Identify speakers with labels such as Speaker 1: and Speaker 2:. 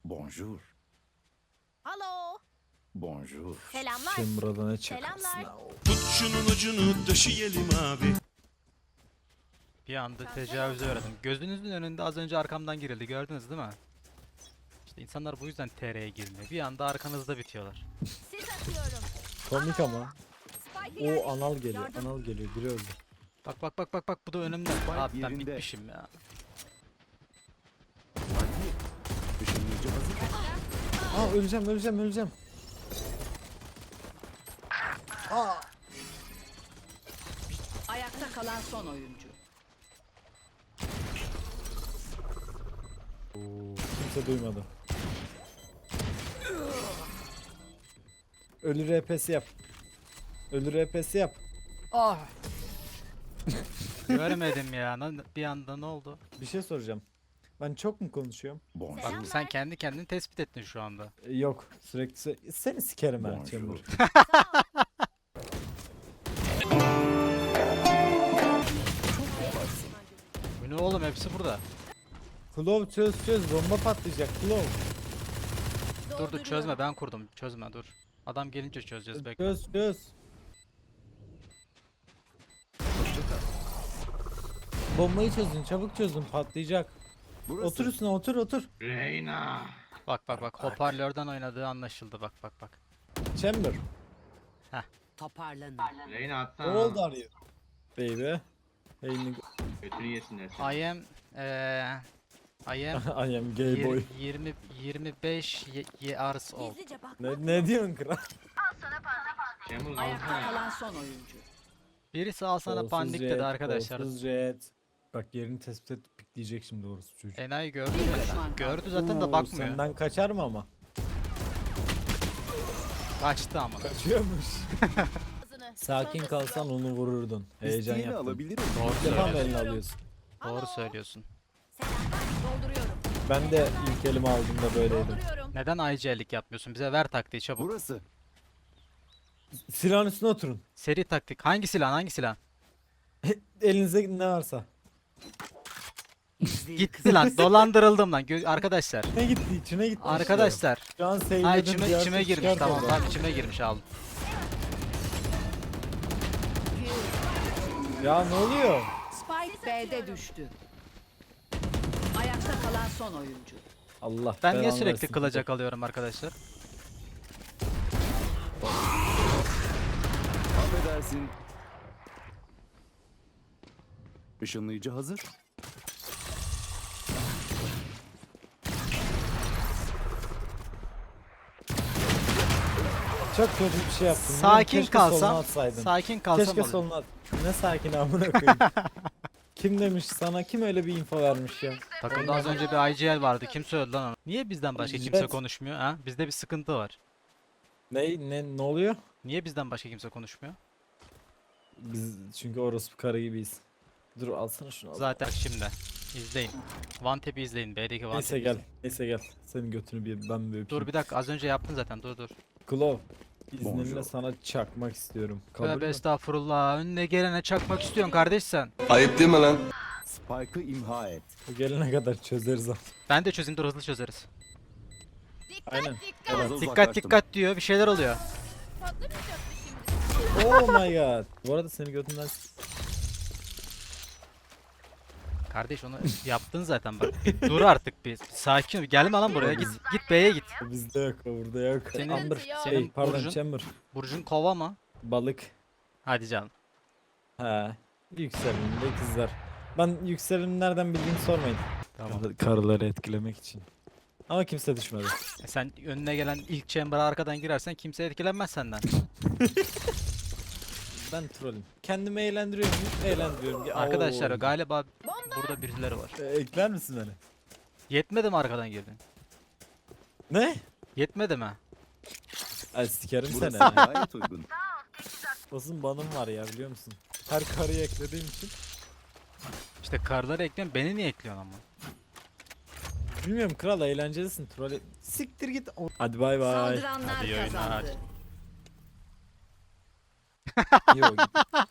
Speaker 1: Bonjour.
Speaker 2: Alo.
Speaker 1: Bonjour.
Speaker 2: Selamlar.
Speaker 3: Sen burada ne çakarsın
Speaker 2: Selamlar.
Speaker 3: ha?
Speaker 4: Tut şunun ucunu taşıyalım abi.
Speaker 5: Bir anda tecavüze uğradım. Gözünüzün önünde az önce arkamdan girildi. Gördünüz değil mi? İşte insanlar bu yüzden TR'ye girmiyor. Bir anda arkanızda bitiyorlar.
Speaker 2: Siz atıyorum.
Speaker 3: Komik ama.
Speaker 2: Spike'ı
Speaker 3: O anal geliyor.
Speaker 2: Yardım.
Speaker 3: Anal geliyor. Biri öldü.
Speaker 5: Bak bak bak bak bak bu da önümde. Abi ben
Speaker 1: yerinde.
Speaker 5: bitmişim ya.
Speaker 1: Işınlayıcı hazır.
Speaker 3: Aa öleceğim.
Speaker 6: Ayakta kalan son oyuncu.
Speaker 3: Kimse duymadı. Ölü RP'si yap. Ölü RP'si yap.
Speaker 5: Göremedim ya. Bir anda ne oldu?
Speaker 3: Bir şey soracağım. Ben çok mu konuşuyorum?
Speaker 1: Bonjour.
Speaker 5: Bak sen kendi kendini tespit ettin şu anda.
Speaker 3: Yok. Sürekli seni sikerim ha
Speaker 1: Bonjour.
Speaker 3: Chamber.
Speaker 5: Bu ne oğlum hepsi burada.
Speaker 3: Klov çöz. Bomba patlayacak. Klov.
Speaker 5: Dur dur çözme ben kurdum. Çözme dur. Adam gelince çözeceğiz bekle.
Speaker 3: Çöz. Bombayı çözün. Çabuk çözün. Patlayacak.
Speaker 1: Burası.
Speaker 3: Otur üstüne otur.
Speaker 5: Bak bak bak hoparlörden oynadığı anlaşıldı bak bak bak.
Speaker 3: Chamber.
Speaker 6: Toparlanın.
Speaker 7: Reyna
Speaker 3: Ne
Speaker 7: atsana.
Speaker 3: oldu arıyor? Baby. Hey nigga.
Speaker 7: Götünü yesinler seni.
Speaker 5: I am I am
Speaker 3: I am gay boy.
Speaker 5: 25 years old.
Speaker 2: Gizlice bak.
Speaker 3: Ne diyorsun kral?
Speaker 7: Şemuz
Speaker 6: Ayakta
Speaker 7: alsana.
Speaker 6: kalan son oyuncu.
Speaker 5: Birisi al sana
Speaker 3: Kolsuz
Speaker 5: pandik
Speaker 3: jet,
Speaker 5: dedi arkadaşlar.
Speaker 3: kolsuz jet. Bak yerini tespit edip pikleyecek şimdi doğrusu çocuk.
Speaker 5: Enayi gördü
Speaker 6: Bir
Speaker 5: zaten.
Speaker 6: düşman kaldı.
Speaker 5: Gördü zaten de
Speaker 3: Oo,
Speaker 5: bakmıyor.
Speaker 3: Senden kaçar mı ama?
Speaker 5: Kaçtı ama.
Speaker 3: Kaçıyormuş.
Speaker 2: Ağzını.
Speaker 3: Sakin
Speaker 2: Sonrası
Speaker 3: kalsan
Speaker 2: yok.
Speaker 3: onu vururdun. Heyecan
Speaker 1: İsteğini
Speaker 3: yaptın.
Speaker 1: alabilirim.
Speaker 5: Doğru
Speaker 3: İlk defa mı
Speaker 5: söylüyorsun.
Speaker 3: elini alıyorsun?
Speaker 5: Doğru
Speaker 2: Alo.
Speaker 5: söylüyorsun.
Speaker 2: Selamlar. Dolduruyorum.
Speaker 3: Ben de ilk elimi aldığımda böyleydim.
Speaker 2: Dolduruyorum.
Speaker 5: Neden IC'lik yapmıyorsun? Bize ver taktiği çabuk.
Speaker 1: Burası.
Speaker 3: Silahın üstüne oturun.
Speaker 5: Seri taktik. Hangi silah? Hangi silah?
Speaker 3: Elinize ne varsa.
Speaker 5: Gitti lan. Dolandırıldım lan. Arkadaşlar.
Speaker 3: Ne gitti? İçine gitti.
Speaker 5: Arkadaşlar.
Speaker 3: Şu an
Speaker 5: Ay
Speaker 3: seyirledim.
Speaker 5: içime girmiş. Tamam tamam içime girmiş aldım.
Speaker 3: Ya ne oluyor?
Speaker 6: Spike B'de düştü. Ayakta kalan son oyuncu.
Speaker 3: Allah
Speaker 5: Ben niye
Speaker 3: belanı
Speaker 5: sürekli
Speaker 3: versin.
Speaker 5: kılacak alıyorum arkadaşlar?
Speaker 1: Affedersin. Işınlayıcı hazır.
Speaker 3: Çok kötü bir şey yaptın.
Speaker 5: Sakin
Speaker 3: Keşke soluna
Speaker 5: kalsam.
Speaker 3: atsaydın.
Speaker 5: Sakin kalsam
Speaker 3: Keşke
Speaker 5: alırım.
Speaker 3: soluna at. Ne sakin amına koyayım. Kim demiş sana? Kim öyle bir info vermiş ya?
Speaker 5: Takımda az önce bir IGL vardı. Kim söyledi lan onu? Niye bizden başka kimse
Speaker 3: Jet.
Speaker 5: konuşmuyor ha? Bizde bir sıkıntı var.
Speaker 3: Ne oluyor?
Speaker 5: Niye bizden başka kimse konuşmuyor?
Speaker 3: Biz çünkü orospu karı gibiyiz. Dur alsana şunu al.
Speaker 5: Zaten şimdi. İzleyin. One Tap'i izleyin. B'deki One
Speaker 3: Neyse
Speaker 5: Tap'i
Speaker 3: gel.
Speaker 5: izleyin.
Speaker 3: Neyse gel. Senin götünü bir ben bir
Speaker 5: Dur
Speaker 3: öpeyim.
Speaker 5: bir dakika az önce yaptın zaten dur.
Speaker 3: Klov. İzninle
Speaker 1: Bonjour.
Speaker 3: sana çakmak istiyorum. Kabul
Speaker 5: Tövbe
Speaker 3: mü?
Speaker 5: estağfurullah. Önüne gelene çakmak istiyorsun kardeş sen.
Speaker 4: Ayıp değil mi lan?
Speaker 1: Spike'ı imha et.
Speaker 3: Bu gelene kadar çözeriz ama.
Speaker 5: Ben de çözeyim dur hızlı çözeriz.
Speaker 2: Dikkat
Speaker 3: Aynen.
Speaker 2: dikkat.
Speaker 1: Fazla
Speaker 5: Dikkat
Speaker 1: uzaklaştım.
Speaker 5: dikkat diyor bir şeyler oluyor.
Speaker 2: Patlamayacak mı şimdi?
Speaker 3: Oh my god. Bu arada seni götünden
Speaker 5: Kardeş onu yaptın zaten bak. Bir dur artık bir sakin ol. Gelme lan buraya git. Git B'ye git.
Speaker 3: bizde yok, burada yok.
Speaker 5: Senin-
Speaker 3: Amber.
Speaker 2: senin
Speaker 3: Şey, pardon
Speaker 5: burcun-
Speaker 3: Chamber.
Speaker 5: Burcun kova mı?
Speaker 3: Balık.
Speaker 5: Hadi canım.
Speaker 3: He. Yükselimde ikizler. Ben yükselimi nereden bildiğini sormayın.
Speaker 5: Tamam.
Speaker 3: Karıları etkilemek için. Ama kimse düşmedi.
Speaker 5: Sen önüne gelen ilk chamber'a arkadan girersen kimse etkilenmez senden.
Speaker 3: Ben trollüm. Kendimi eğlendiriyorum. Eğlendiriyorum.
Speaker 5: Arkadaşlar
Speaker 3: Oo.
Speaker 5: galiba burada birileri var.
Speaker 3: Ekler misin beni?
Speaker 5: Yetmedi mi arkadan girdin?
Speaker 3: Ne?
Speaker 5: Yetmedi mi?
Speaker 3: Ay sikerim seni.
Speaker 1: Burası gayet uygun.
Speaker 3: Olsun banım var ya biliyor musun? Her karıyı eklediğim için.
Speaker 5: İşte karları ekliyorsun beni niye ekliyorsun ama?
Speaker 3: Bilmiyorum kral eğlencelisin. Troll siktir git. Hadi bay bay.
Speaker 6: Saldıranlar
Speaker 5: Hadi iyi oyunlar.
Speaker 6: kazandı.
Speaker 3: Yok.